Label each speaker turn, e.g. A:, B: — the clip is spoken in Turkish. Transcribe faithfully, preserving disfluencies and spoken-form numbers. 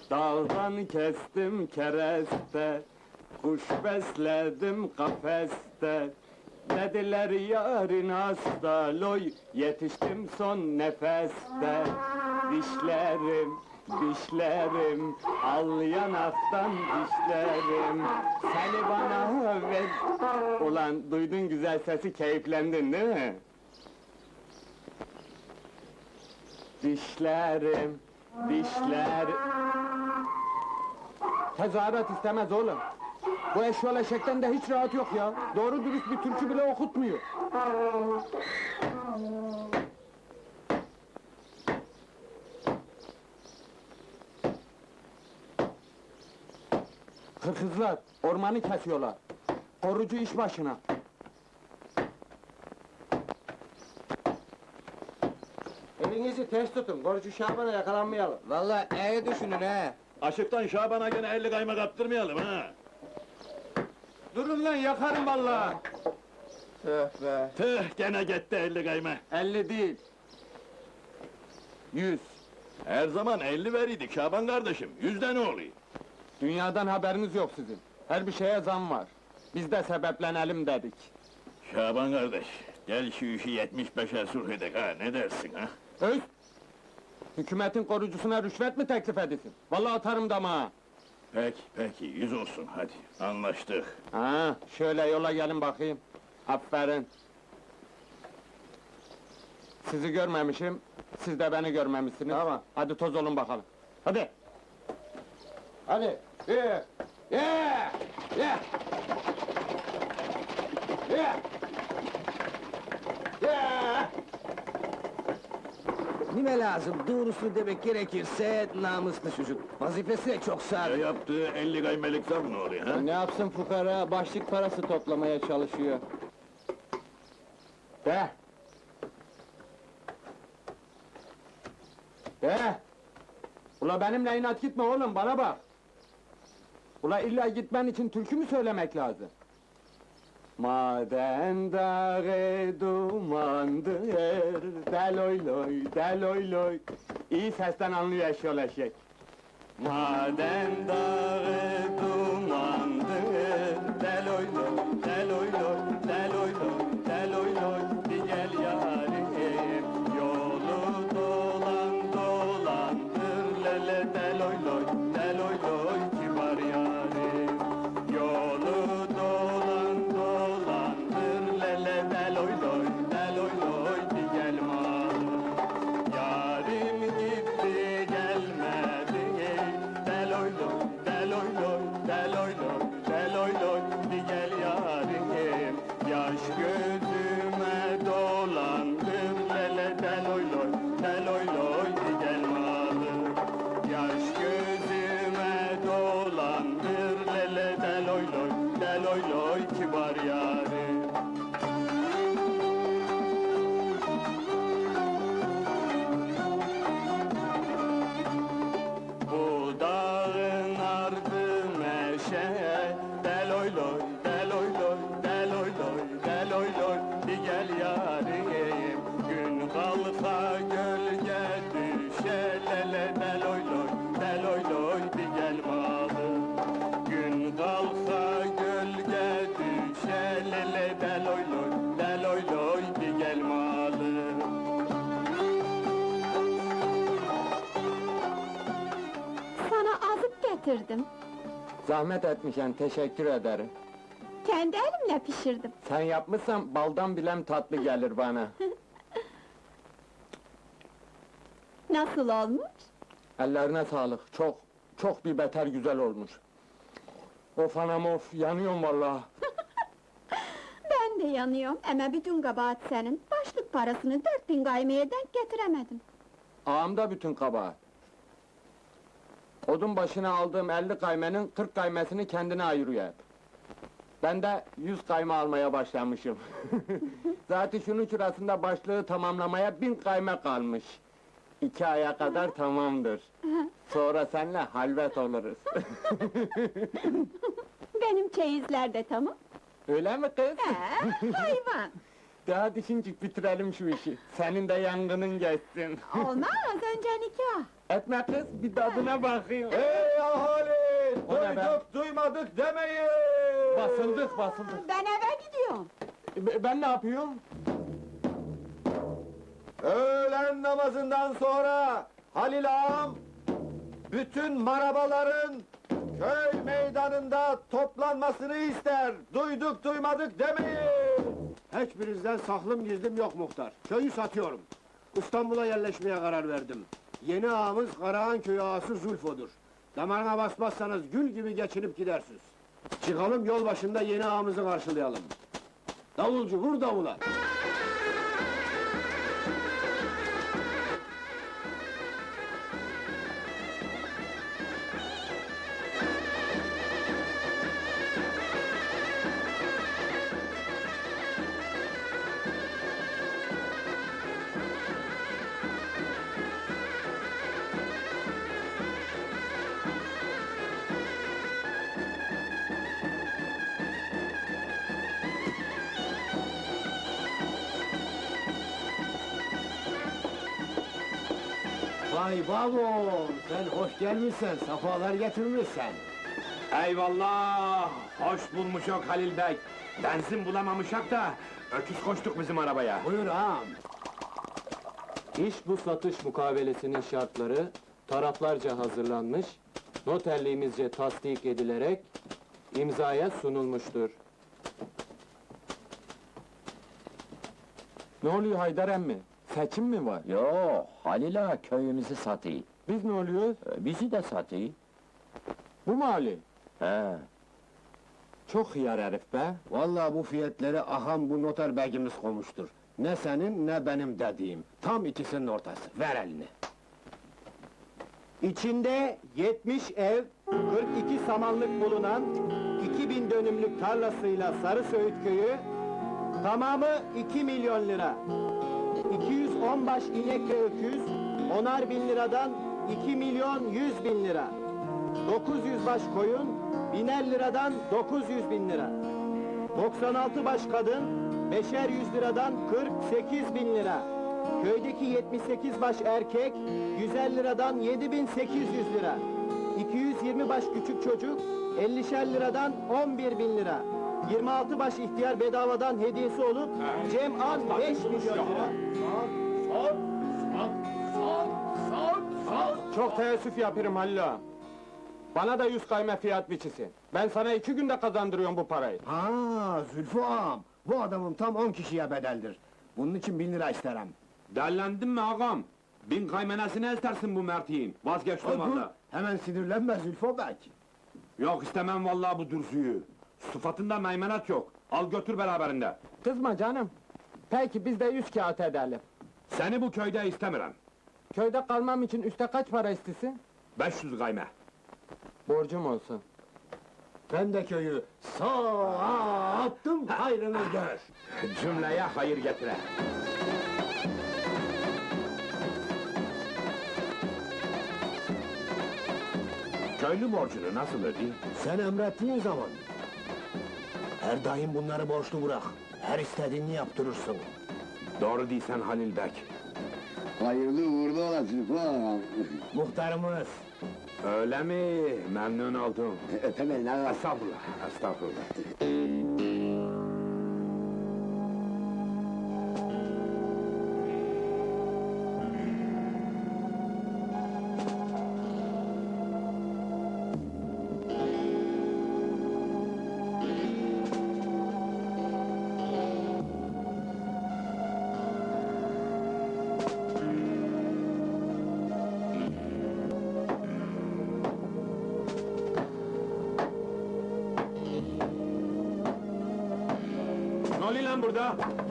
A: Dağdan kestim kereste, kuş besledim kafeste. Dediler yarın hasta, loy, yetiştim son nefeste. Dişlerim, dişlerim, al yanaktan dişlerim. Seni bana ver. Ulan duydun güzel sesi, keyiflendin değil mi? Dişlerim, dişler... Tezahürat istemez oğlum. Bu eşyol eşekten de hiç rahat yok ya. Doğru dürüst bir türkü bile okutmuyor. Hırkızlar, ormanı kesiyorlar. Korucu iş başına.
B: Elinizi ters tutun, korucu Şaban'a yakalanmayalım.
C: Vallahi iyi düşünün he.
D: Aşıktan Şaban'a gene elli kayma kaptırmayalım ha!
A: Durun lan, yakarım vallahi.
C: Tüh be.
D: Tüh, gene gitti elli kayma!
A: Elli değil. Yüz.
D: Her zaman elli veriydik Şaban kardeşim, yüzde ne oluyor?
A: Dünyadan haberiniz yok sizin. Her bir şeye zam var. Biz de sebeplenelim dedik.
D: Şaban kardeş, gel şu işi yetmiş beşe sulh edek ha, ne dersin ha?
A: Öz! Hükümetin korucusuna rüşvet mi teklif edesin? Vallahi atarım damağa!
D: Peki, peki, yüz olsun hadi, anlaştık.
A: Ha, şöyle yola gelin bakayım. Aferin! Sizi görmemişim, siz de beni görmemişsiniz.
B: Tamam.
A: Hadi toz olun bakalım. Hadi!
B: Hadi, bir,
A: Yeah! Yeah! Yeah! Yeah!
C: Nime lazım, doğrusunu demek gerekirse namuslu çocuk. Vazifesi de çok
D: Ya
C: sadık.
D: yaptığı elli kaymelik zam ne oluyor ha?
A: Ne yapsın fukara, başlık parası toplamaya çalışıyor. De! De! Ula benimle inat gitme oğlum, bana bak! Ula illa gitmen için türkü mü söylemek lazım? Maden dağı dumandır, deloy loy, deloy loy. İyi sesten anlıyor eşyol eşek. Maden dağı dumandır, deloy loy, deloy loy, deloy loy, deloy loy. Bir gel yarim, yolu dolan dolandır, lele deloy loy, deloy loy, kibar yarim. Yolu dolan dolandır, lele deloy loy, deloy loy, bir gel malım. Yarim gitti gelmedi, deloy loy, deloy loy, deloy loy, deloy loy, bir gel yarim. Yaş gözüme dolandır, lele deloy loy, deloy loy, bir gel malım. Yaş gözüme dolandır, lele deloy loy, deloy loy, kibar yarim. Bu dağın ardı meşe, deloy loy, deloy loy, deloy loy, deloy loy, bir gel yarim. Gün kalka gölge düşe, lele deloy loy, deloy loy, bir gel malım. Gün kalka gölge düşe, lele deloy loy, deloy loy, bir gel malım.
E: Sana azık getirdim.
A: Zahmet etmişen, teşekkür ederim.
E: Kendi elimle pişirdim.
A: Sen yapmışsan baldan bilem tatlı gelir bana.
E: Nasıl olmuş?
A: Ellerine sağlık, çok, çok bir beter güzel olmuş. Of anam of, yanıyorum vallahi.
E: Ben de yanıyorum ama bütün kabahat senin. Başlık parasını dört bin gaymeye denk getiremedim.
A: Ağamda bütün kabahat. Odun başına aldığım elli kaymenin kırk kaymesini kendine ayırıyor hep. Ben de yüz kayma almaya başlamışım. Zaten şunun şurasında başlığı tamamlamaya bin kayme kalmış. İki aya kadar tamamdır. Sonra seninle halvet oluruz.
E: Benim çeyizler de tamam.
A: Öyle mi kız?
E: He, hayvan!
A: Daha düşüncük bitirelim şu işi. Senin de yangının geçsin.
E: Olmaz, önce nikah.
A: Etme kız, bir tadına bakayım.
B: Ey ahali!
A: O ne be?
B: Duyduk duymadık demeyin!
A: Basıldık, basıldık.
E: Ben eve gidiyorum.
A: E, Ben ne yapıyorum?
B: Öğlen namazından sonra Halil ağam bütün marabaların köy meydanında toplanmasını ister. Duyduk duymadık demeyin. Hiçbirinizden saklım gizlim yok muhtar. Köyü satıyorum. İstanbul'a yerleşmeye karar verdim. Yeni ağamız Karahan köyü ağası Zulfo'dur. Damarına basmazsanız gül gibi geçinip gidersiniz. Çıkalım yol başında yeni ağamızı karşılayalım. Davulcu vur davula. Vay babam, sen hoş gelmişsen, safalar getirmişsen.
F: Eyvallah! Hoş bulmuşok Halil Bey. Benzin bulamamışak da öküz koştuk bizim arabaya.
B: Buyur ağam.
G: İş bu satış mukabelesinin şartları taraflarca hazırlanmış, noterliğimizce tasdik edilerek imzaya sunulmuştur.
A: Ne oluyor Haydar emmi? Seçim mi var?
H: Yo, Halil ağa köyümüzü satıyor.
A: Biz ne oluyoruz?
H: Ee, Bizi de satıyor.
A: Bu mu Ali?
H: He.
A: Çok hıyar herif be.
B: Vallahi bu fiyatları aham bu noter begimiz koymuştur. Ne senin ne benim dediğim. Tam ikisinin ortası. Ver elini.
I: İçinde yetmiş ev, kırk iki samanlık bulunan iki bin dönümlük tarlasıyla Sarısöğüt köyü, tamamı iki milyon lira. iki yüz on baş inek ve öküz, onar bin liradan iki milyon yüz bin lira. dokuz yüz baş koyun, biner liradan dokuz yüz bin lira. doksan altı baş kadın, beşer yüz liradan kırk sekiz bin lira. Köydeki yetmiş sekiz baş erkek, yüz elli liradan yedi bin sekiz yüz lira. iki yüz yirmi baş küçük çocuk, ellişer liradan on bir bin lira. yirmi altı baş ihtiyar bedavadan hediyesi olup, cem an beş milyon lira.
A: Çok teessüf yapıyorum Halil ağa. Bana da yüz kayme fiyat biçisin. Ben sana iki günde kazandırıyorum bu parayı.
B: Ha, Zülfü ağam. Bu adamım tam on kişiye bedeldir. Bunun için bin lira isterim.
F: Derlendin mi ağam? Bin kaymenesini istersin bu mertiğin. Vazgeçtim
B: Dur,
F: valla.
B: hemen sinirlenme Zülfü bey.
F: Yok istemem vallahi bu dürüzüyü. Sıfatında meymenet yok. Al götür beraberinde.
A: Kızma canım. Peki biz de yüz kağıt edelim.
F: Seni bu köyde istemiyorum.
A: Köyde kalmam için üste kaç para istesin?
F: beş yüz kayme.
A: Borcum olsun.
B: Ben de köyü sağ attım, hayrını gör.
F: Cümleye hayır getire. Köylü borcunu nasıl ödeyeyim?
B: Sen emrettiğin zaman. Her daim bunları borçlu bırak. Her istediğini yaptırırsın.
F: Doğru değilsen Halil Bek.
J: Hayırlı uğurlu olasın falan.
B: Muhtarımız.
F: Öyle mi? Memnun oldum.
J: Öpemem lan.
F: Estağfurullah, estağfurullah. Ne oluyor lan burada?